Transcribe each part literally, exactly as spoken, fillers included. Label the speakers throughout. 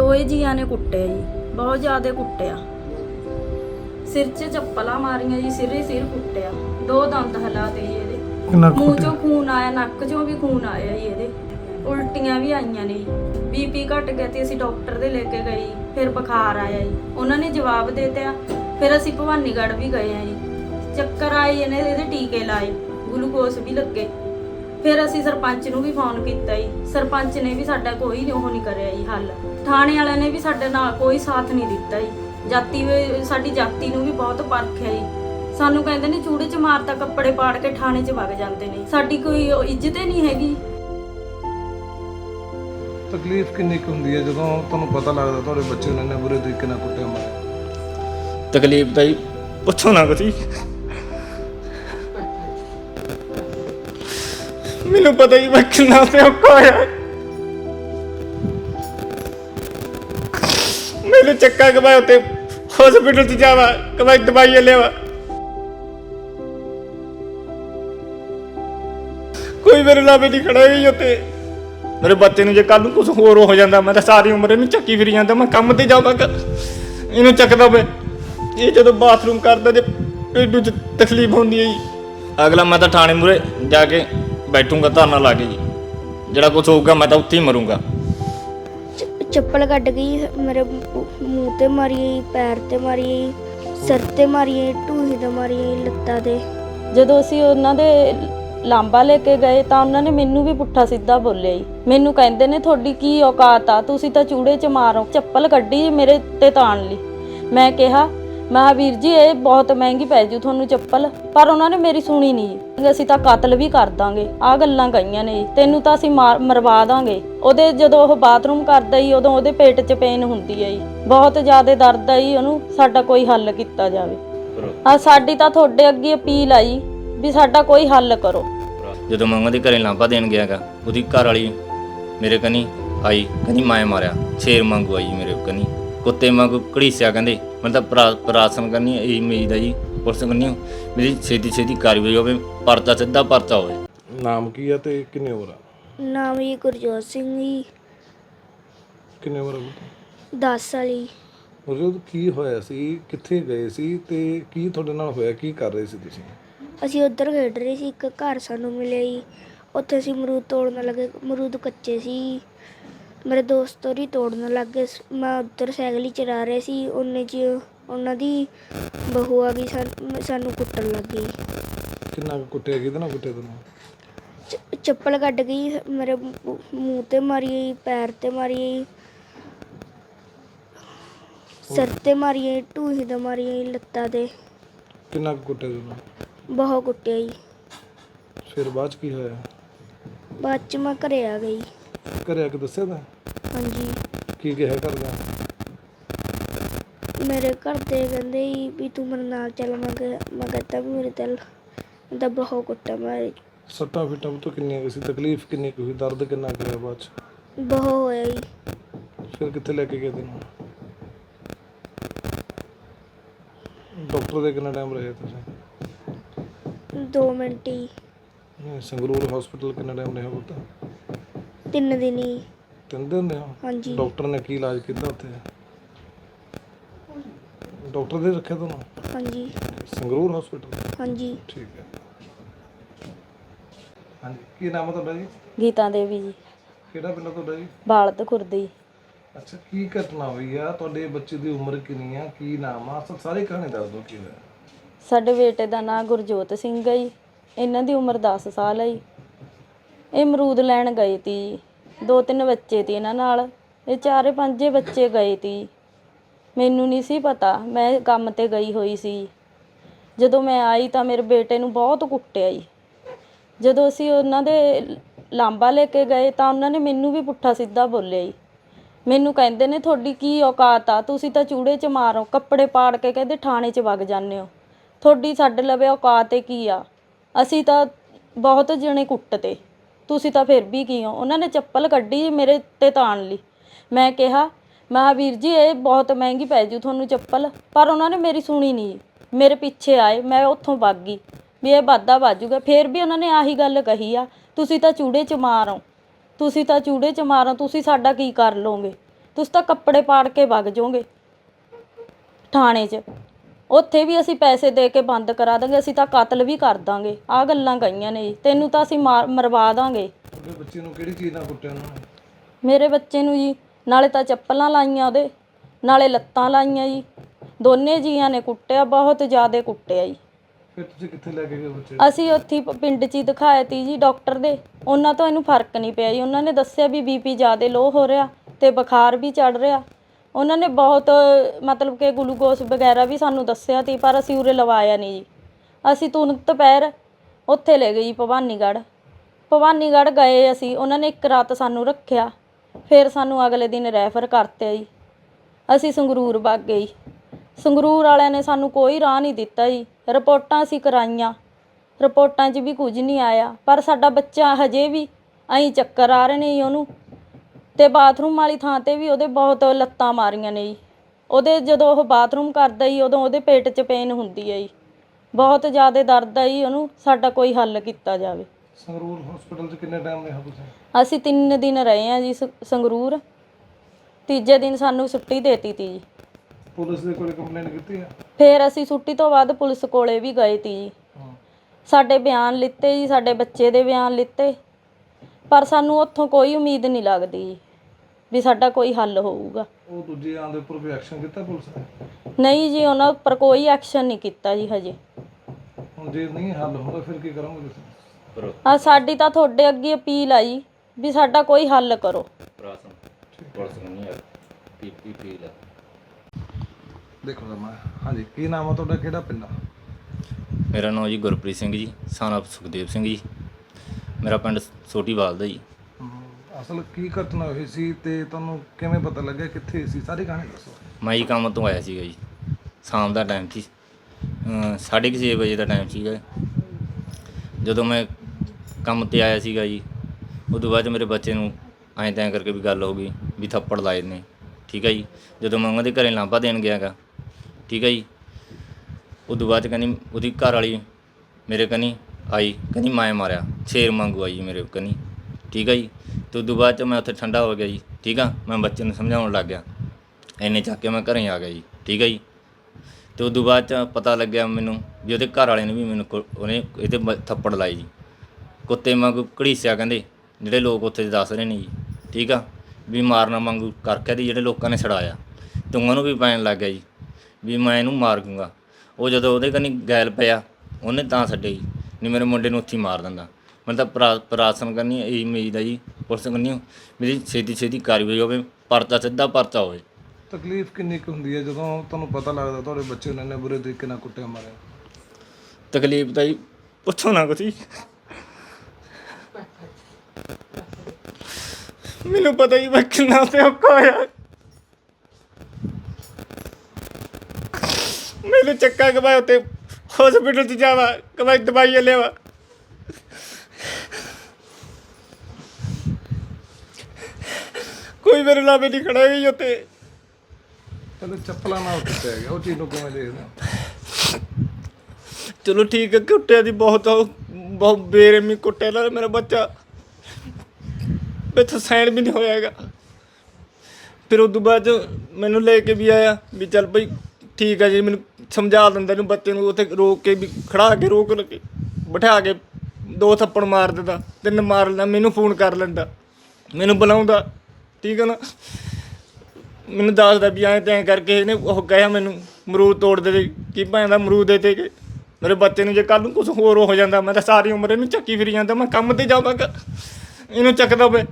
Speaker 1: ਦੋਏ ਜੀਆਂ ਨੇ ਕੁੱਟਿਆ ਜੀ, ਬਹੁਤ ਜ਼ਿਆਦਾ ਕੁੱਟਿਆ। ਸਿਰ 'ਚ ਚੱਪਲਾਂ ਮਾਰੀਆਂ ਜੀ, ਸਿਰੇ ਸਿਰ ਕੁੱਟਿਆ। ਦੋ ਦੰਦ ਹਿਲਾਤੇ ਜੀ ਇਹਦੇ,
Speaker 2: ਕਿੰਨਾ ਕੁ
Speaker 1: ਮੂੰਹ
Speaker 2: ਕੁੱਟਿਆ?
Speaker 1: 'ਚੋਂ ਖੂਨ ਆਇਆ, ਨੱਕ 'ਚੋਂ ਵੀ ਖੂਨ ਆਇਆ ਜੀ ਇਹਦੇ। ਉਲਟੀਆਂ ਵੀ ਆਈਆਂ ਨੇ ਜੀ, ਬੀਪੀ ਘਟ ਗਿਆ ਤੇ ਅਸੀਂ ਡਾਕਟਰ ਦੇ ਲੈ ਕੇ ਗਏ ਜੀ। ਫਿਰ ਬੁਖਾਰ ਆਇਆ ਜੀ, ਉਹਨਾਂ ਨੇ ਜਵਾਬ ਦੇ ਦਿੱਤਾ। ਫਿਰ ਅਸੀਂ ਭਵਾਨੀਗੜ੍ਹ ਵੀ ਗਏ ਆ ਜੀ, ਚੱਕਰ ਆਏ, ਇਹਨੇ ਇਹਦੇ ਟੀਕੇ ਲਾਏ, ਗਲੂਕੋਸ ਵੀ ਲੱਗੇ। ਫਿਰ ਅਸੀਂ ਸਰਪੰਚ ਨੂੰ ਵੀ ਫੋਨ ਕੀਤਾ ਜੀ, ਸਰਪੰਚ ਨੇ ਵੀ ਸਾਡਾ ਕੋਈ ਉਹ ਨਹੀਂ ਕਰਿਆ ਜੀ ਹੱਲ। ਥਾਣੇ ਵਾਲਿਆਂ ਨੇ ਵੀ ਸਾਡੇ ਨਾਲ ਕੋਈ ਸਾਥ ਨਹੀਂ ਦਿੱਤਾ ਜੀ। ਜਾਤੀ ਵੀ ਸਾਡੀ ਜਾਤੀ ਨੂੰ ਵੀ ਬਹੁਤ ਪਰਖਿਆ ਜੀ। ਸਾਨੂੰ ਕਹਿੰਦੇ ਨੇ ਚੂੜੇ 'ਚ ਮਾਰਤਾ, ਕੱਪੜੇ ਪਾੜ ਕੇ ਥਾਣੇ 'ਚ ਵਗ ਜਾਂਦੇ ਨੇ। ਸਾਡੀ ਕੋਈ ਇੱਜ਼ਤ ਹੀ ਨਹੀਂ ਹੈਗੀ।
Speaker 2: ਤਕਲੀਫ ਕਿੰਨੀ ਕੁ ਹੁੰਦੀ ਹੈ ਜਦੋਂ ਤੁਹਾਨੂੰ ਪਤਾ ਲੱਗਦਾ ਤੁਹਾਡੇ ਬੱਚੇ ਨੂੰ ਇੰਨੇ ਬੁਰੇ ਤਰੀਕੇ ਨਾਲ ਕੁੱਟਿਆ ਮਾਰਿਆ?
Speaker 3: ਤਕਲੀਫ ਤਾਂ ਜੀ ਪੁੱਛੋ ਨਾ ਕੁਛ। ਮੈਨੂੰ ਪਤਾ ਹੀ ਮੈਂ ਕਿੰਨਾ ਤੇ ਔਖਾ ਹੋਇਆ। ਮੈਨੂੰ ਚੱਕਾ ਕਮਾਇਆ ਉੱਤੇ ਹਸਪੀਟਲ 'ਚ ਜਾਵਾ, ਕਮਾਈ ਦਵਾਈਆਂ ਲਿਆਵਾ, ਕੋਈ ਮੇਰੇ ਲਾਵੇ ਨਹੀਂ ਖੜਾ ਗਈ ਉੱਤੇ। ਮੇਰੇ ਬੱਚੇ ਨੂੰ ਜੇ ਕੱਲ ਨੂੰ ਕੁਝ ਹੋਰ ਹੋ ਜਾਂਦਾ, ਮੈਂ ਤਾਂ ਸਾਰੀ ਉਮਰ ਇਹਨੂੰ ਚੱਕੀ ਫਿਰੀ ਜਾਂਦਾ। ਮੈਂ ਕੰਮ ਤੇ ਜਾਵਾਂਗਾ, ਇਹਨੂੰ ਚੱਕਦਾ ਪਏ। ਇਹ ਜਦੋਂ ਬਾਥਰੂਮ ਕਰਦਾ ਜੇ ਪੇਟੂ 'ਚ ਤਕਲੀਫ ਹੁੰਦੀ ਹੈ ਜੀ, ਅਗਲਾ ਮੈਂ ਤਾਂ ਥਾਣੇ ਮੂਹਰੇ ਜਾ ਕੇ ਬੈਠੂੰਗਾ ਧਰਨਾ ਲਾ ਕੇ ਜੀ। ਜਿਹੜਾ ਕੁਝ ਹੋਊਗਾ ਮੈਂ ਤਾਂ ਉੱਥੇ ਹੀ ਮਰੂੰਗਾ।
Speaker 4: ਚੱਪਲ ਕੱਢ ਗਈ, ਮੇਰੇ ਮੂੰਹ ਤੇ ਮਾਰੀ, ਪੈਰ ਤੇ ਮਾਰੀ, ਸਿਰ ਤੇ ਮਾਰੀ, ਢੂਹੀ ਤੇ ਮਾਰੀ, ਲੱਤਾਂ ਤੇ।
Speaker 1: ਜਦੋਂ ਅਸੀਂ ਉਹਨਾਂ ਦੇ ਲਾਂਬਾ ਲੈ ਕੇ ਗਏ ਤਾਂ ਉਹਨਾਂ ਨੇ ਮੈਨੂੰ ਵੀ ਪੁੱਠਾ ਸਿੱਧਾ ਬੋਲਿਆ ਜੀ। ਮੈਨੂੰ ਕਹਿੰਦੇ ਨੇ ਤੁਹਾਡੀ ਕੀ ਔਕਾਤ ਆ, ਤੁਸੀਂ ਤਾਂ ਚੂੜੇ 'ਚ ਮਾਰੋ। ਚੱਪਲ ਕੱਢੀ ਮੇਰੇ ਤੇ ਤਾਣ ਲਈ। ਮੈਂ ਕਿਹਾ ਮੈਂ ਵੀਰ ਜੀ ਇਹ ਬਹੁਤ ਮਹਿੰਗੀ ਪੈ ਜੂ ਤੁਹਾਨੂੰ ਚੱਪਲ, ਪਰ ਉਹਨਾਂ ਨੇ ਮੇਰੀ ਸੁਣੀ ਨਹੀਂ। ਅਸੀਂ ਤਾਂ ਕਤਲ ਵੀ ਕਰ ਦਾਂਗੇ, ਆਹ ਗੱਲਾਂ ਕਹੀਆਂ ਨੇ ਜੀ। ਤੈਨੂੰ ਤਾਂ ਅਸੀਂ ਮਾਰ ਮਰਵਾ ਦਾਂਗੇ। ਉਹਦੇ ਜਦੋਂ ਉਹ ਬਾਥਰੂਮ ਕਰਦਾ ਜੀ, ਉਦੋਂ ਉਹਦੇ ਪੇਟ 'ਚ ਪੇਨ ਹੁੰਦੀ ਹੈ ਜੀ, ਬਹੁਤ ਜ਼ਿਆਦਾ ਦਰਦ ਆ ਜੀ। ਉਹਨੂੰ ਸਾਡਾ ਕੋਈ ਹੱਲ ਕੀਤਾ ਜਾਵੇ। ਆ ਸਾਡੀ ਤਾਂ ਤੁਹਾਡੇ ਅੱਗੇ ਅਪੀਲ ਆ ਜੀ ਵੀ ਸਾਡਾ ਕੋਈ ਹੱਲ ਕਰੋ।
Speaker 3: ਜਦੋਂ ਮੈਂ ਉਹਨਾਂ ਦੇ ਘਰੇ ਲਾਂਭਾ ਦੇਣ ਗਿਆ ਗਾ, ਉਹਦੀ ਘਰ ਵਾਲੀ ਮੇਰੇ ਕਨੀ ਆਈ, ਕਹਿੰਦੀ ਮੈਂ ਮਾਰਿਆ। ਸ਼ੇਰ ਵਾਂਗੂ ਆਈ ਮੇਰੇ ਕਨੀ, ਕੁੱਤੇ ਵਾਂਗੂ ਘੜੀਸਿਆ। ਕਹਿੰਦੇ ਮੈਂ ਤਾਂ ਪ੍ਰਾ ਪ੍ਰਾਸ਼ਨ ਕਰਨੀ ਇਹ ਉਮੀਦ ਹੈ ਜੀ ਪੁਲਿਸ ਕਰਨੀ ਮੇਰੀ ਛੇਤੀ ਛੇਤੀ ਕਾਰਵਾਈ ਹੋਵੇ, ਪਰਚਾ ਸਿੱਧਾ ਪਰਚਾ ਹੋਵੇ।
Speaker 2: ਨਾਮ ਕੀ ਹੈ ਤੇ ਕਿੰਨੀ ਉਮਰ ਆ?
Speaker 4: ਨਾਮ ਜੀ ਗੁਰਜੋਤ ਸਿੰਘ ਜੀ,
Speaker 2: ਕਿੰਨੀ ਉਮਰ ਹੈ?
Speaker 4: ਦਸ ਵਾਲੀ।
Speaker 2: ਗੁਰਜੋਤ, ਕੀ ਹੋਇਆ ਸੀ, ਕਿੱਥੇ ਗਏ ਸੀ ਤੇ ਕੀ ਤੁਹਾਡੇ ਨਾਲ ਹੋਇਆ, ਕੀ ਕਰ ਰਹੇ ਸੀ ਤੁਸੀਂ?
Speaker 4: ਅਸੀਂ ਉੱਧਰ ਖੇਡ ਰਹੇ ਸੀ, ਇੱਕ ਘਰ ਸਾਨੂੰ ਮਿਲਿਆ ਜੀ। ਉੱਥੇ ਅਸੀਂ ਅਮਰੂਦ ਤੋੜਨ ਲੱਗੇ, ਅਮਰੂਦ ਕੱਚੇ ਸੀ। ਮੇਰੇ ਦੋਸਤ ਉਹਦੀ ਤੋੜਨ ਲੱਗ ਗਏ। ਮੈਂ ਉੱਧਰ ਸਾਈਕਲ ਹੀ ਚਲਾ ਰਿਹਾ ਸੀ, ਉਹਨੇ 'ਚ ਉਹਨਾਂ ਦੀ ਬਹੂ ਆ ਗਈ, ਸਾਨੂੰ ਸਾਨੂੰ ਕੁੱਟਣ ਲੱਗ ਗਈ।
Speaker 2: ਕਿੰਨਾ ਕੁ ਕੁੱਟਿਆ, ਕਿਹਦੇ ਨਾਲ ਕੁੱਟਿਆ ਤੁਹਾਨੂੰ?
Speaker 4: ਚ- ਚੱਪਲ ਕੱਢ ਗਈ, ਮੇਰੇ ਮੂੰਹ ਮੂੰਹ ਤੇ ਮਾਰੀ, ਪੈਰ ਤੇ ਮਾਰੀ, ਸਿਰ ਤੇ ਮਾਰੀ, ਢੂਹੀ ਤੇ ਮਾਰੀ, ਲੱਤਾਂ ਤੇ।
Speaker 2: ਕਿੰਨਾ ਕੁ ਕੁੱਟਿਆ ਤੁਹਾਨੂੰ?
Speaker 4: ਬਹੁਤ ਕੁੱਟਿਆ ਜੀ।
Speaker 2: ਫਿਰ ਬਾਅਦ 'ਚ ਕੀ ਹੋਇਆ?
Speaker 4: ਬਾਅਦ 'ਚ ਮੈਂ ਘਰੇ ਆ ਗਈ।
Speaker 2: ਘਰੇ ਆ ਕੇ ਦੱਸਿਆ ਤਾਂ
Speaker 4: ਹਾਂਜੀ,
Speaker 2: ਕੀ ਕਿਹਾ ਕਰਦਾ?
Speaker 4: ਮੇਰੇ ਘਰ ਦੇ ਕਹਿੰਦੇ ਸੀ ਵੀ ਤੂੰ ਮੇਰੇ ਨਾਲ ਚੱਲ। ਮੈਂ ਕਿਹਾ ਮੈਂ ਕਹਿੰਦਾ ਵੀ ਮੇਰੇ ਦਿਲ ਦਾ ਬਹੁਤ ਕੁੱਟਿਆ। ਮੈਂ
Speaker 2: ਸੱਟਾਂ ਫਿੱਟਾਂ ਤੋਂ ਕਿੰਨੀਆਂ ਕੁ ਸੀ, ਤਕਲੀਫ ਕਿੰਨੀ ਕੁ ਹੋਈ, ਦਰਦ ਕਿੰਨਾ ਕੁ ਹੋਇਆ ਬਾਅਦ 'ਚ?
Speaker 4: ਬਹੁਤ ਹੋਇਆ ਜੀ।
Speaker 2: ਫਿਰ ਕਿੱਥੇ ਲੈ ਕੇ ਗਏ ਤੈਨੂੰ? ਡਾਕਟਰ ਦੇ ਕਿੰਨਾ ਟਾਈਮ ਰਹੇ ਤੁਸੀਂ?
Speaker 4: ਦੋ ਮਿੰਟ ਹੀ,
Speaker 2: ਨਹੀਂ, ਸੰਗਰੂਰ ਹਸਪੀਟਲ ਕਿੰਨਾ ਟਾਈਮ ਰਿਹਾ ਪੁੱਤ?
Speaker 4: ਤਿੰਨ ਦਿਨ ਹੀ।
Speaker 2: ਤਿੰਨ ਦਿਨ ਰਿਹਾ?
Speaker 4: ਹਾਂਜੀ।
Speaker 2: ਡਾਕਟਰ ਨੇ ਕੀ ਇਲਾਜ ਕੀਤਾ ਉੱਥੇ? ਡਾਕਟਰ ਦੇ ਰੱਖਿਆ ਤੁਹਾਨੂੰ
Speaker 4: ਹਾਂਜੀ
Speaker 2: ਸੰਗਰੂਰ ਹਸਪੀਟਲ?
Speaker 4: ਹਾਂਜੀ।
Speaker 2: ਠੀਕ ਹੈ। ਹਾਂਜੀ, ਕੀ ਨਾਮ ਹੈ ਤੁਹਾਡਾ ਜੀ?
Speaker 1: ਗੀਤਾ ਦੇਵੀ ਜੀ,
Speaker 2: ਕਿਹੜਾ ਪਿੰਡ ਤੁਹਾਡਾ ਜੀ?
Speaker 1: ਬਾਲਦ ਖੁਰਦੀ।
Speaker 2: ਅੱਛਾ, ਕੀ ਘਟਨਾ ਹੋਈ ਆ? ਤੁਹਾਡੇ ਬੱਚੇ ਦੀ ਉਮਰ ਕਿੰਨੀ ਆ, ਕੀ ਨਾਮ ਆ, ਸਭ ਸਾਰੀ ਕਹਾਣੀ ਦੱਸ ਦਿਓ ਕੀ ਹੋਇਆ।
Speaker 1: ਸਾਡੇ ਬੇਟੇ ਦਾ ਨਾਂ ਗੁਰਜੋਤ ਸਿੰਘ ਹੈ ਜੀ, ਇਹਨਾਂ ਦੀ ਉਮਰ ਦਸ ਸਾਲ ਹੈ ਜੀ। ਇਹ ਅਮਰੂਦ ਲੈਣ ਗਏ ਤੀ ਜੀ, ਦੋ ਤਿੰਨ ਬੱਚੇ ਤੀ ਇਹਨਾਂ ਨਾਲ। ਇਹ ਚਾਰੇ ਪੰਜੇ ਬੱਚੇ ਗਏ ਤੀ, ਮੈਨੂੰ ਨਹੀਂ ਸੀ ਪਤਾ, ਮੈਂ ਕੰਮ ਤੇ ਗਈ ਹੋਈ ਸੀ। ਜਦੋਂ ਮੈਂ ਆਈ ਤਾਂ ਮੇਰੇ ਬੇਟੇ ਨੂੰ ਬਹੁਤ ਕੁੱਟਿਆ ਜੀ। ਜਦੋਂ ਅਸੀਂ ਉਹਨਾਂ ਦੇ ਲਾਂਬਾ ਲੈ ਕੇ ਗਏ ਤਾਂ ਉਹਨਾਂ ਨੇ ਮੈਨੂੰ ਵੀ ਪੁੱਠਾ ਸਿੱਧਾ ਬੋਲਿਆ ਜੀ। ਮੈਨੂੰ ਕਹਿੰਦੇ ਨੇ ਤੁਹਾਡੀ ਕੀ ਔਕਾਤ ਆ, ਤੁਸੀਂ ਤਾਂ ਚੂੜੇ 'ਚ ਮਾਰੋ, ਕੱਪੜੇ ਪਾੜ ਕੇ ਕਹਿੰਦੇ ਥਾਣੇ 'ਚ ਵਗ ਜਾਂਦੇ ਹੋ। ਤੁਹਾਡੀ ਸਾਡੇ ਲਵੇ ਔਕਾਤ ਏ ਕੀ ਆ? ਅਸੀਂ ਤਾਂ ਬਹੁਤ ਜਣੇ ਕੁੱਟਤੇ, ਤੁਸੀਂ ਤਾਂ ਫਿਰ ਵੀ ਕੀ ਹੋ? ਉਹਨਾਂ ਨੇ ਚੱਪਲ ਕੱਢੀ ਮੇਰੇ ਤੇ ਤਾਣ ਲਈ। ਮੈਂ ਕਿਹਾ ਮੈਂ ਵੀਰ ਜੀ ਇਹ ਬਹੁਤ ਮਹਿੰਗੀ ਪੈ ਜੂ ਤੁਹਾਨੂੰ ਚੱਪਲ, ਪਰ ਉਹਨਾਂ ਨੇ ਮੇਰੀ ਸੁਣੀ ਨਹੀਂ। ਮੇਰੇ ਪਿੱਛੇ ਆਏ, ਮੈਂ ਉੱਥੋਂ ਵਗ ਗਈ ਵੀ ਇਹ ਵਾਧਾ ਵਾਜੂਗਾ। ਫਿਰ ਵੀ ਉਹਨਾਂ ਨੇ ਆਹੀ ਗੱਲ ਕਹੀ ਆ, ਤੁਸੀਂ ਤਾਂ ਚੂੜੇ 'ਚ ਮਾਰੋ, ਤੁਸੀਂ ਤਾਂ ਚੂੜੇ 'ਚ ਮਾਰੋ, ਤੁਸੀਂ ਸਾਡਾ ਕੀ ਕਰ ਲਓਗੇ? ਤੁਸੀਂ ਤਾਂ ਕੱਪੜੇ ਪਾੜ ਕੇ ਵਗ ਜਾਓਗੇ ਥਾਣੇ 'ਚ, ਉੱਥੇ ਵੀ ਅਸੀਂ ਪੈਸੇ ਦੇ ਕੇ ਬੰਦ ਕਰਾ ਦਾਂਗੇ, ਅਸੀਂ ਤਾਂ ਕਤਲ ਵੀ ਕਰ ਦਾਂਗੇ। ਆਹ ਗੱਲਾਂ ਕਹੀਆਂ ਨੇ ਜੀ, ਤੈਨੂੰ ਤਾਂ ਅਸੀਂ ਮਾਰ ਮਰਵਾ ਦਾਂਗੇ।
Speaker 2: ਤੁਹਾਡੇ ਬੱਚੇ ਨੂੰ ਕਿਹੜੀ ਚੀਜ਼ ਨਾਲ ਕੁੱਟਿਆ ਉਹਨਾਂ ਨੇ?
Speaker 1: ਮੇਰੇ ਬੱਚੇ ਨੂੰ ਜੀ ਨਾਲੇ ਤਾਂ ਚੱਪਲਾਂ ਲਾਈਆਂ ਉਹਦੇ, ਨਾਲੇ ਲੱਤਾਂ ਲਾਈਆਂ ਜੀ, ਦੋਨੇ ਜੀਆਂ ਨੇ ਕੁੱਟਿਆ, ਬਹੁਤ ਜ਼ਿਆਦਾ ਕੁੱਟਿਆ ਜੀ।
Speaker 2: ਫਿਰ ਤੁਸੀਂ ਕਿੱਥੇ ਲੈ ਕੇ ਗਏ ਬੱਚੇ?
Speaker 1: ਅਸੀਂ ਉੱਥੇ ਹੀ ਪ- ਪਿੰਡ 'ਚ ਹੀ ਦਿਖਾਇਆ ਤੀ ਜੀ ਡਾਕਟਰ ਦੇ, ਉਹਨਾਂ ਤੋਂ ਇਹਨੂੰ ਫਰਕ ਨਹੀਂ ਪਿਆ ਜੀ। ਉਹਨਾਂ ਨੇ ਦੱਸਿਆ ਵੀ ਬੀਪੀ ਜ਼ਿਆਦਾ ਲੋ ਹੋ ਰਿਹਾ ਤੇ ਬੁਖਾਰ ਵੀ ਚੜ ਰਿਹਾ। ਉਹਨਾਂ ਨੇ ਬਹੁਤ ਮਤਲਬ ਕਿ ਗਲੂਕੋਸ ਵਗੈਰਾ ਵੀ ਸਾਨੂੰ ਦੱਸਿਆ ਤੀ, ਪਰ ਅਸੀਂ ਉਰੇ ਲਵਾਇਆ ਨਹੀਂ ਜੀ। ਅਸੀਂ ਤੁਰੰਤ ਪੈਰ ਉੱਥੇ ਲੈ ਗਏ ਜੀ ਭਵਾਨੀਗੜ੍ਹ। ਭਵਾਨੀਗੜ੍ਹ ਗਏ ਅਸੀਂ, ਉਹਨਾਂ ਨੇ ਇੱਕ ਰਾਤ ਸਾਨੂੰ ਰੱਖਿਆ, ਫਿਰ ਸਾਨੂੰ ਅਗਲੇ ਦਿਨ ਰੈਫਰ ਕਰਤੇ ਜੀ। ਅਸੀਂ ਸੰਗਰੂਰ ਵਗ ਗਏ ਜੀ। ਸੰਗਰੂਰ ਵਾਲਿਆਂ ਨੇ ਸਾਨੂੰ ਕੋਈ ਰਾਹ ਨਹੀਂ ਦਿੱਤਾ ਜੀ। ਰਿਪੋਰਟਾਂ ਅਸੀਂ ਕਰਾਈਆਂ, ਰਿਪੋਰਟਾਂ 'ਚ ਵੀ ਕੁਝ ਨਹੀਂ ਆਇਆ, ਪਰ ਸਾਡਾ ਬੱਚਾ ਹਜੇ ਵੀ ਐਂ ਚੱਕਰ ਆ ਰਹੇ ਨੇ ਜੀ ਉਹਨੂੰ, ਤੇ ਬਾਥਰੂਮ ਵਾਲੀ ਥਾਂ 'ਤੇ ਵੀ ਉਹਦੇ ਬਹੁਤ ਲੱਤਾਂ ਮਾਰੀਆਂ ਨੇ ਜੀ। ਉਹਦੇ ਜਦੋਂ ਉਹ ਬਾਥਰੂਮ ਕਰਦਾ ਜੀ, ਉਦੋਂ ਉਹਦੇ ਪੇਟ 'ਚ ਪੇਨ ਹੁੰਦੀ ਹੈ ਜੀ, ਬਹੁਤ ਜ਼ਿਆਦਾ ਦਰਦ ਆ ਜੀ ਉਹਨੂੰ। ਸਾਡਾ ਕੋਈ ਹੱਲ ਕੀਤਾ ਜਾਵੇ।
Speaker 2: ਸੰਗਰੂਰ ਹਸਪੀਟਲ 'ਚ ਕਿੰਨੇ ਟਾਈਮ ਰਹੇ ਤੁਸੀਂ?
Speaker 1: ਅਸੀਂ ਤਿੰਨ ਦਿਨ ਰਹੇ ਹਾਂ ਜੀ ਸ- ਸੰਗਰੂਰ। ਤੀਜੇ ਦਿਨ ਸਾਨੂੰ ਛੁੱਟੀ ਦੇ ਦਿੱਤੀ ਤੀ ਜੀ।
Speaker 2: ਪੁਲਿਸ ਦੇ ਕੋਲ ਕੰਪਲੇਂਟ ਕੀਤੀ ਹੈ?
Speaker 1: ਫਿਰ ਅਸੀਂ ਛੁੱਟੀ ਤੋਂ ਬਾਅਦ ਪੁਲਿਸ ਕੋਲੇ ਵੀ ਗਏ ਤੀ ਜੀ।
Speaker 2: ਹਾਂ।
Speaker 1: ਸਾਡੇ ਬਿਆਨ ਲਿੱਤੇ ਜੀ, ਸਾਡੇ ਬੱਚੇ ਦੇ ਬਿਆਨ ਲਿੱਤੇ, ਪਰ ਸਾਨੂੰ ਉੱਥੋਂ ਕੋਈ ਉਮੀਦ ਨਹੀਂ ਲੱਗਦੀ ਜੀ ਵੀ ਸਾਡਾ ਕੋਈ ਹੱਲ ਹੋਊਗਾ।
Speaker 2: ਉਹ ਦੂਜੇ ਆਂ ਦੇ ਉੱਪਰ ਵੀ ਐਕਸ਼ਨ ਕੀਤਾ ਪੁਲਿਸ ਨੇ?
Speaker 1: ਨਹੀਂ ਜੀ, ਉਹਨਾਂ ਉੱਪਰ ਕੋਈ ਐਕਸ਼ਨ ਨਹੀਂ ਕੀਤਾ ਜੀ ਹਜੇ।
Speaker 2: ਹੁਣ ਜੇ ਨਹੀਂ ਹੱਲ ਹੁੰਦਾ ਫਿਰ ਕੀ ਕਰੋਗੇ ਤੁਸੀਂ?
Speaker 1: ਆ ਸਾਡੀ ਤਾਂ ਤੁਹਾਡੇ ਅੱਗੇ ਅਪੀਲ ਆ ਜੀ ਵੀ ਸਾਡਾ ਕੋਈ ਹੱਲ ਕਰੋ।
Speaker 2: ਦੇਖੋ ਤਾਂ ਮੈਂ, ਹਾਂਜੀ ਕੀ ਨਾਮ ਆ ਤੁਹਾਡਾ, ਕਿਹੜਾ ਪਿੰਡ ਆ?
Speaker 5: ਮੇਰਾ ਨਾਮ ਜੀ ਗੁਰਪ੍ਰੀਤ ਸਿੰਘ ਜੀ, son of ਸੁਖਦੇਵ ਸਿੰਘ ਜੀ। ਮੇਰਾ ਪਿੰਡ ਸੋਟੀਵਾਲ ਦਾ ਜੀ।
Speaker 2: ਹਮ, ਅਸਲ ਕੀ ਘਟਨਾ ਹੋਈ ਸੀ ਤੇ ਤੁਹਾਨੂੰ ਕਿਵੇਂ ਪਤਾ ਲੱਗਿਆ, ਕਿੱਥੇ ਸੀ, ਸਾਰੀ ਕਹਾਣੀ ਦੱਸੋ।
Speaker 5: ਮੈਂ ਜੀ ਕੰਮ ਤੋਂ ਆਇਆ ਸੀਗਾ ਜੀ, ਸ਼ਾਮ ਦਾ ਟਾਈਮ ਸੀ, ਅਮ ਸਾਢੇ ਕੁ ਛੇ ਵਜੇ ਦਾ ਟਾਈਮ ਸੀਗਾ। ਜਦੋਂ ਮੈਂ ਕੰਮ 'ਤੇ ਆਇਆ ਸੀਗਾ ਜੀ, ਉਦੋਂ ਬਾਅਦ 'ਚ ਮੇਰੇ ਬੱਚੇ ਨੂੰ ਐਂ ਤੈਂ ਕਰਕੇ ਵੀ ਗੱਲ ਹੋ ਗਈ ਵੀ ਥੱਪੜ ਲਾਏ ਨੇ, ਠੀਕ ਹੈ ਜੀ। ਜਦੋਂ ਮੈਂ ਉਹਨਾਂ ਦੇ ਘਰੇ ਲਾਂਭਾ ਦੇਣ ਗਿਆ ਗਾ, ਠੀਕ ਹੈ ਜੀ, ਉਦੋਂ ਬਾਅਦ 'ਚ ਕਹਿੰਦੀ ਉਹਦੀ ਘਰ ਵਾਲੀ ਮੇਰੇ ਕਨੀ ਆਈ, ਕਹਿੰਦੀ ਮੈਂ ਮਾਰਿਆ, ਸ਼ੇਰ ਵਾਂਗੂ ਆਈ ਜੀ ਮੇਰੇ ਕਨੀ, ਠੀਕ ਹੈ ਜੀ। ਅਤੇ ਉਦੋਂ ਬਾਅਦ 'ਚ ਮੈਂ ਉੱਥੇ ਠੰਡਾ ਹੋ ਗਿਆ ਜੀ, ਠੀਕ ਆ। ਮੈਂ ਬੱਚੇ ਨੂੰ ਸਮਝਾਉਣ ਲੱਗ ਗਿਆ, ਇੰਨੇ ਚੱਕ ਕੇ ਮੈਂ ਘਰੇ ਆ ਗਿਆ ਜੀ, ਠੀਕ ਹੈ ਜੀ। ਅਤੇ ਉਦੋਂ ਬਾਅਦ 'ਚ ਪਤਾ ਲੱਗਿਆ ਮੈਨੂੰ ਵੀ ਉਹਦੇ ਘਰ ਵਾਲੇ ਨੇ ਵੀ ਮੈਨੂੰ ਕੋ- ਉਹਨੇ ਇਹਦੇ ਮ- ਥੱਪੜ ਲਾਏ ਜੀ, ਕੁੱਤੇ ਵਾਂਗੂ ਘੜੀਸਿਆ, ਕਹਿੰਦੇ ਜਿਹੜੇ ਲੋਕ ਉੱਥੇ ਦੇ ਦੱਸ ਰਹੇ ਨੇ ਜੀ, ਠੀਕ ਆ, ਵੀ ਮਾਰਨਾ ਵਾਂਗੂ ਕਰਕੇ ਦੀ ਜਿਹੜੇ ਲੋਕਾਂ ਨੇ ਛੜਾਇਆ, ਅਤੇ ਉਹਨਾਂ ਨੂੰ ਵੀ ਪੈਣ ਲੱਗ ਗਿਆ ਜੀ ਵੀ ਮੈਂ ਇਹਨੂੰ ਮਾਰ ਦੂੰਗਾ। ਉਹ ਜਦੋਂ ਉਹਦੇ ਕਨੀ ਗੈਲ ਪਿਆ, ਉਹਨੇ ਤਾਂ ਛੱਡੇ ਜੀ, ਨਹੀਂ ਮੇਰੇ ਮੁੰਡੇ ਨੂੰ ਉੱਥੇ ਹੀ ਮਾਰ ਦਿੰਦਾ। ਮੈਨੂੰ ਤਾਂ ਪ੍ਰਾ ਪ੍ਰਾਸ਼ਨ ਕਰਨੀ ਇਹੀ ਉਮੀਦ ਆ ਜੀ ਪੁਲਿਸ ਕਰਨੀ, ਮੇਰੀ ਛੇਤੀ ਛੇਤੀ ਕਾਰਵਾਈ ਹੋਵੇ, ਪਰਚਾ ਸਿੱਧਾ ਪਰਚਾ ਹੋਵੇ।
Speaker 2: ਤਕਲੀਫ ਕਿੰਨੀ ਕੁ ਹੁੰਦੀ ਹੈ ਜਦੋਂ ਤੁਹਾਨੂੰ ਪਤਾ ਲੱਗਦਾ ਤੁਹਾਡੇ ਬੱਚੇ ਨੂੰ ਇੰਨੇ ਬੁਰੇ ਤਰੀਕੇ ਨਾਲ ਕੁੱਟਿਆ ਮਾਰਿਆ?
Speaker 3: ਤਕਲੀਫ ਤਾਂ ਜੀ ਪੁੱਛੋ ਨਾ ਕੁਛ। ਮੈਨੂੰ ਪਤਾ ਹੀ ਮੈਂ ਕਿੰਨਾ ਤੇ ਔਖਾ ਹੋਇਆ। ਮੈਨੂੰ ਚੱਕਾ ਕਿ ਮੈਂ ਉੱਤੇ ਹਸਪੀਟਲ 'ਚ ਜਾਵਾਂ, ਕਿ ਮੈਂ ਦਵਾਈਆਂ ਲਿਆਵਾਂ। ਕੋਈ ਮੇਰੇ ਲਾਵੇ ਨਹੀਂ ਖੜਾ ਗਈ ਉੱਤੇ।
Speaker 2: ਕਹਿੰਦੇ ਚੱਪਲਾਂ ਨਾਲ ਕੁੱਟਿਆ ਗਿਆ, ਉਹ ਚੀਜ਼ ਨੂੰ ਕਿਵੇਂ ਦੇਖਦੇ ਹੋ?
Speaker 3: ਚਲੋ ਠੀਕ ਹੈ, ਕੁੱਟਿਆ ਦੀ ਬਹੁਤ ਬਹੁਤ ਬੇਰਹਿਮੀ ਕੁੱਟਿਆ ਨਾਲ ਮੇਰਾ ਬੱਚਾ, ਮੈਥੋਂ ਸਹਿਣ ਵੀ ਨਹੀਂ ਹੋਇਆ ਹੈਗਾ। ਫਿਰ ਉਸ ਤੋਂ ਬਾਅਦ 'ਚ ਮੈਨੂੰ ਲੈ ਕੇ ਵੀ ਆਇਆ ਵੀ ਚੱਲ ਭਾਈ ਠੀਕ ਹੈ ਜੀ, ਮੈਨੂੰ ਸਮਝਾ ਦਿੰਦਾ ਇਹਨੂੰ ਬੱਚੇ ਨੂੰ, ਉੱਥੇ ਰੋਕ ਕੇ ਵੀ ਖੜਾ ਕੇ ਰੋਕ ਕੇ ਬਿਠਾ ਕੇ ਦੋ ਥੱਪੜ ਮਾਰ ਦਿੰਦਾ, ਤਿੰਨ ਮਾਰ ਲੈਂਦਾ, ਮੈਨੂੰ ਫੋਨ ਕਰ ਲੈਂਦਾ, ਮੈਨੂੰ ਬੁਲਾਉਂਦਾ, ਠੀਕ ਹੈ ਨਾ। ਮੈਨੂੰ ਦੱਸਦਾ ਵੀ ਐਂ ਤੈਂ ਕਰਕੇ ਇਹਨੇ ਉਹ ਕਹਿਆ ਮੈਨੂੰ ਅਮਰੂਦ ਤੋੜ ਦੇ, ਕੀ ਭਾਂ ਦਾ ਅਮਰੂਦ ਦੇ ਤੇ ਕਿ ਮੇਰੇ ਬੱਚੇ ਨੂੰ ਜੇ ਕੱਲ੍ਹ ਨੂੰ ਕੁਛ ਹੋਰ ਹੋ ਜਾਂਦਾ, ਮੈਂ ਤਾਂ ਸਾਰੀ ਉਮਰ ਇਹਨੂੰ ਚੱਕੀ ਫਿਰੀ ਜਾਂਦਾ, ਮੈਂ ਕੰਮ 'ਤੇ ਜਾਵਾਂਗਾ ਇਹਨੂੰ ਚੱਕਦਾ ਪਏ।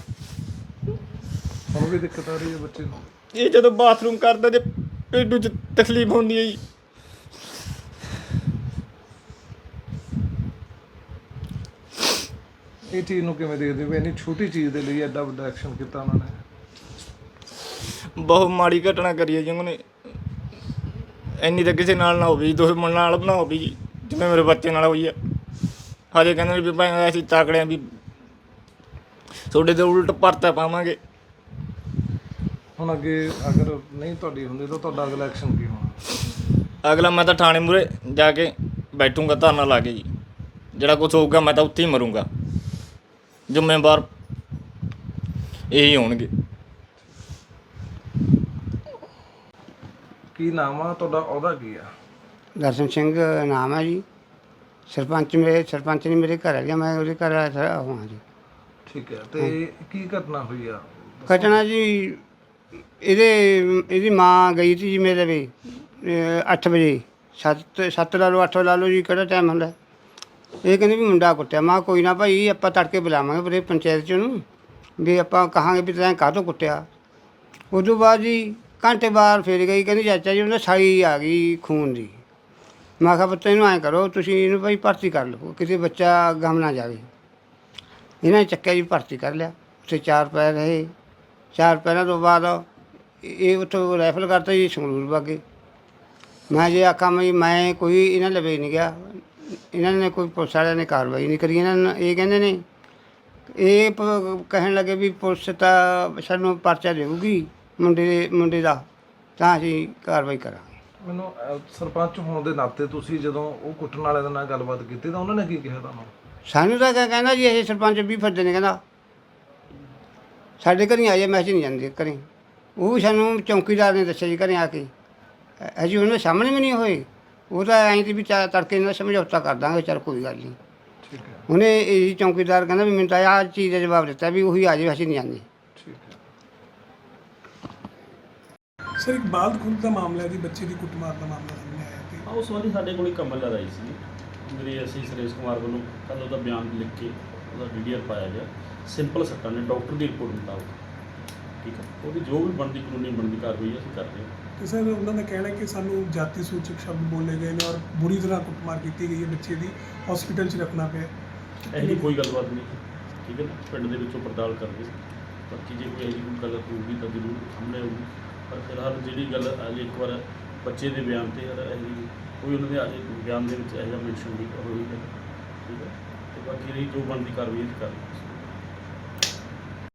Speaker 2: ਹੁਣ ਵੀ ਦਿੱਕਤ ਆ ਰਹੀ ਹੈ ਬੱਚੇ ਨੂੰ?
Speaker 3: ਇਹ ਜਦੋਂ ਬਾਥਰੂਮ ਕਰਦਾ ਜੇ ਪੇਟੂ 'ਚ ਤਕਲੀਫ ਹੁੰਦੀ ਹੈ ਜੀ।
Speaker 2: ਇਹ ਚੀਜ਼ ਨੂੰ ਕਿਵੇਂ ਦੇਖਦੇ ਹੋ, ਇੰਨੀ ਛੋਟੀ ਚੀਜ਼ ਦੇ ਲਈ ਐਡਾ ਵੱਡਾ ਐਕਸ਼ਨ ਕੀਤਾ ਉਹਨਾਂ ਨੇ?
Speaker 3: ਬਹੁਤ ਮਾੜੀ ਘਟਨਾ ਕਰੀ ਹੈ ਜੀ ਉਹਨਾਂ ਨੇ। ਇੰਨੀ ਤਾਂ ਕਿਸੇ ਨਾਲ ਨਾ ਹੋਵੇ ਜੀ, ਦੁਸ਼ਮਣ ਨਾਲ ਨਾ ਹੋਵੇ ਜੀ, ਜਿਵੇਂ ਮੇਰੇ ਬੱਚੇ ਨਾਲ ਹੋਈ ਆ। ਹਜੇ ਕਹਿੰਦੇ ਵੀ ਭਾਈ ਅਸੀਂ ਤਾਕੜਿਆਂ ਵੀ ਤੁਹਾਡੇ 'ਤੇ ਉਲਟ ਪਰਚਾ ਪਾਵਾਂਗੇ।
Speaker 2: ਹੁਣ ਅੱਗੇ ਅਗਰ ਨਹੀਂ ਤੁਹਾਡੀ ਹੁੰਦੀ ਤਾਂ ਤੁਹਾਡਾ ਅਗਲਾ ਐਕਸ਼ਨ ਕੀ ਹੋਣਾ?
Speaker 3: ਅਗਲਾ ਮੈਂ ਤਾਂ ਥਾਣੇ ਮੂਹਰੇ ਜਾ ਕੇ ਬੈਠੂੰਗਾ ਧਰਨਾ ਲਾ ਕੇ ਜੀ, ਜਿਹੜਾ ਕੁਛ ਹੋਊਗਾ ਮੈਂ ਤਾਂ ਉੱਥੇ ਹੀ ਮਰੂੰਗਾ, ਜ਼ਿੰਮੇਵਾਰ ਇਹੀ ਹੋਣਗੇ।
Speaker 2: ਕੀ ਨਾਮ ਆ ਤੁਹਾਡਾ, ਉਹਦਾ ਕੀ ਆ?
Speaker 6: ਦਰਸ਼ਨ ਸਿੰਘ ਨਾਮ ਹੈ ਜੀ। ਸਰਪੰਚ ਮੇਰੇ ਸਰਪੰਚ ਨੇ ਮੇਰੇ ਘਰ ਆ ਗਿਆ, ਮੈਂ ਉਹਦੇ ਘਰ ਆਇਆ ਹਾਂ ਜੀ।
Speaker 2: ਠੀਕ ਹੈ, ਤੇ ਕੀ ਘਟਨਾ ਹੋਈ ਆ?
Speaker 6: ਘਟਨਾ ਜੀ ਇਹਦੇ ਇਹਦੀ ਮਾਂ ਗਈ ਸੀ ਜੀ ਮੇਰੇ ਵੀ ਅੱਠ ਵਜੇ, ਸੱਤ ਸੱਤ ਲਾ ਲਓ ਅੱਠ ਲਾ ਲਓ ਜੀ, ਕਿਹੜਾ ਟਾਈਮ ਹੁੰਦਾ। ਇਹ ਕਹਿੰਦੇ ਵੀ ਮੁੰਡਾ ਕੁੱਟਿਆ। ਮਾਂ ਕੋਈ ਨਾ ਭਾਈ, ਆਪਾਂ ਤੜਕੇ ਬੁਲਾਵਾਂਗੇ ਪੂਰੇ ਪੰਚਾਇਤ 'ਚ ਉਹਨੂੰ, ਵੀ ਆਪਾਂ ਕਹਾਂਗੇ ਵੀ ਤੈਂ ਕਾਹਤੋਂ ਕੁੱਟਿਆ। ਉਸ ਤੋਂ ਬਾਅਦ ਜੀ ਘੰਟੇ ਬਾਅਦ ਫਿਰ ਗਈ, ਕਹਿੰਦੀ ਚਾਚਾ ਜੀ ਉਹਨਾਂ ਸਾਈ ਆ ਗਈ ਖੂਨ ਦੀ। ਮੈਂ ਕਿਹਾ ਪੁੱਤ ਇਹਨੂੰ ਐਂ ਕਰੋ, ਤੁਸੀਂ ਇਹਨੂੰ ਭਾਈ ਭਰਤੀ ਕਰ ਲਓ, ਕਿਸੇ ਬੱਚਾ ਗਮ ਨਾ ਜਾਵੇ। ਇਹਨਾਂ ਨੇ ਚੱਕਿਆ ਜੀ, ਭਰਤੀ ਕਰ ਲਿਆ। ਉੱਥੇ ਚਾਰ ਪੈਰ ਰਹੇ। ਚਾਰ ਪੈਰਾਂ ਤੋਂ ਬਾਅਦ ਇਹ ਉੱਥੋਂ ਰਾਈਫਲ ਕਰਤਾ ਜੀ, ਸੰਗਰੂਰ ਵਾਗੇ। ਮੈਂ ਜੇ ਆਖਾਂ ਵੀ ਮੈਂ ਕੋਈ ਇਹਨਾਂ ਲਵੇ ਨਹੀਂ ਗਿਆ, ਇਹਨਾਂ ਨੇ ਕੋਈ ਪੁਲਿਸ ਵਾਲਿਆਂ ਨੇ ਕਾਰਵਾਈ ਨਹੀਂ ਕਰੀ। ਇਹਨਾਂ ਨੇ ਇਹ ਕਹਿੰਦੇ ਨੇ, ਇਹ ਪ- ਕਹਿਣ ਲੱਗੇ ਵੀ ਪੁਲਿਸ ਤਾਂ ਸਾਨੂੰ ਪਰਚਾ ਦੇਊਗੀ ਮੁੰਡੇ ਦੇ ਮੁੰਡੇ ਦਾ, ਤਾਂ ਅਸੀਂ ਕਾਰਵਾਈ ਕਰਾਂਗੇ।
Speaker 2: ਮੈਨੂੰ ਅਹ, ਸਰਪੰਚ ਹੋਣ ਦੇ ਨਾਤੇ ਤੁਸੀਂ ਜਦੋਂ ਉਹ ਕੁੱਟਣ ਵਾਲੇ ਦੇ ਨਾਲ ਗੱਲਬਾਤ ਕੀਤੀ ਤਾਂ ਉਹਨਾਂ ਨੇ ਕੀ ਕਿਹਾ ਤੁਹਾਨੂੰ?
Speaker 6: ਸਾਨੂੰ ਤਾਂ ਕਹਿ- ਕਹਿੰਦਾ ਜੀ ਇਹ ਸਰਪੰਚ ਵੀ ਫਿਰਦੇ ਨੇ, ਕਹਿੰਦਾ ਸਾਡੇ ਘਰੇ ਆ ਜਾਏ, ਮੈਂ ਨਹੀਂ ਜਾਂਦੇ ਘਰੇ। ਉਹ ਵੀ ਸਾਨੂੰ ਚੌਂਕੀਦਾਰ ਨੇ ਦੱਸਿਆ ਜੀ ਘਰੇ ਆ ਕੇ, ਅਜੇ ਉਹਨਾਂ ਦੇ ਸਾਹਮਣੇ ਵੀ ਨਹੀਂ ਹੋਏ। ਉਹ ਤਾਂ ਐਂ ਤੇ ਵੀ ਚਾ ਤੜਕੇ ਨਾਲ ਸਮਝੌਤਾ ਕਰ ਦਾਂਗੇ, ਚੱਲ ਕੋਈ ਗੱਲ ਨਹੀਂ।
Speaker 2: ਠੀਕ ਹੈ,
Speaker 6: ਉਹਨੇ ਇਹ ਚੌਂਕੀਦਾਰ ਕਹਿੰਦਾ ਵੀ ਮੈਨੂੰ ਤਾਂ ਆਹ ਚੀਜ਼ ਦਾ ਜਵਾਬ ਦਿੱਤਾ ਵੀ ਉਹੀ ਆ ਜਾਵੇ, ਅਸੀਂ ਨਹੀਂ ਜਾਂਦੇ।
Speaker 2: ਠੀਕ ਹੈ।
Speaker 7: ਸਰ ਇੱਕ ਬਾਲ ਖੁੰਦ ਦਾ ਮਾਮਲਾ ਹੈ ਜੀ, ਬੱਚੇ ਦੀ ਕੁੱਟਮਾਰ ਦਾ ਮਾਮਲਾ ਸਾਹਮਣੇ ਆਇਆ ਤੇ
Speaker 8: ਹਾਂ, ਉਸ ਸੰਬੰਧੀ ਸਾਡੇ ਕੋਲ ਇੱਕ ਕੰਪਲੇਂਟ ਆਈ ਸੀ ਮੇਰੀ ਅਸੀਂ ਸੁਰੇਸ਼ ਕੁਮਾਰ ਵੱਲੋਂ ਕੱਲ੍ਹ ਉਹਦਾ ਬਿਆਨ ਲਿਖ ਕੇ ਉਹਦਾ ਡੀ ਡੀ ਆਰ ਪਾਇਆ ਗਿਆ। ਸਿੰਪਲ ਸੱਟਾਂ ਨੇ ਡਾਕਟਰ ਦੀ ਰਿਪੋਰਟ ਮੁਤਾਬਕ। ਠੀਕ ਹੈ, ਉਹਦੀ ਜੋ ਵੀ ਬਣਦੀ ਕਾਨੂੰਨੀ ਬਣਦੀ ਕਾਰਵਾਈ ਅਸੀਂ ਕਰਦੇ ਹਾਂ।
Speaker 7: ਤੇ ਸਰ ਉਹਨਾਂ ਦਾ ਕਹਿਣਾ ਹੈ ਕਿ ਸਾਨੂੰ ਜਾਤੀ ਸੂਚਕ ਸ਼ਬਦ ਬੋਲੇ ਗਏ ਨੇ ਔਰ ਬੁਰੀ ਤਰ੍ਹਾਂ ਕੁੱਟਮਾਰ ਕੀਤੀ ਗਈ ਹੈ, ਬੱਚੇ ਦੀ ਹਸਪੀਟਲ 'ਚ ਰੱਖਣਾ ਪਿਆ।
Speaker 8: ਇਹੋ ਜਿਹੀ ਕੋਈ ਗੱਲਬਾਤ ਨਹੀਂ। ਠੀਕ ਹੈ ਨਾ, ਪਿੰਡ ਦੇ ਵਿੱਚੋਂ ਪੜਤਾਲ ਕਰਦੇ ਬਾਕੀ ਜੇ ਕੋਈ ਇਹੋ ਜਿਹੀ ਕੋਈ ਗੱਲ ਹੋਊਗੀ ਤਾਂ ਜ਼ਰੂਰ ਸਾਹਮਣੇ ਆਊਗੀ। ਪਰ ਫਿਲਹਾਲ ਜਿਹੜੀ ਗੱਲ ਅਜੇ ਇੱਕ ਵਾਰ ਬੱਚੇ ਦੇ ਬਿਆਨ 'ਤੇ ਇਹੋ ਜਿਹੀ ਕੋਈ ਉਹਨਾਂ ਦੇ ਅਜੇ ਬਿਆਨ ਦੇ ਵਿੱਚ ਇਹੋ ਜਿਹਾ ਮੈਂਸ਼ਨ ਨਹੀਂ ਹੋਈ ਹੈ। ਠੀਕ ਹੈ, ਤੇ ਬਾਕੀ ਰਹੀ ਜੋ ਬਣਦੀ ਕਾਰਵਾਈ ਅਸੀਂ ਕਰਾਂਗੇ।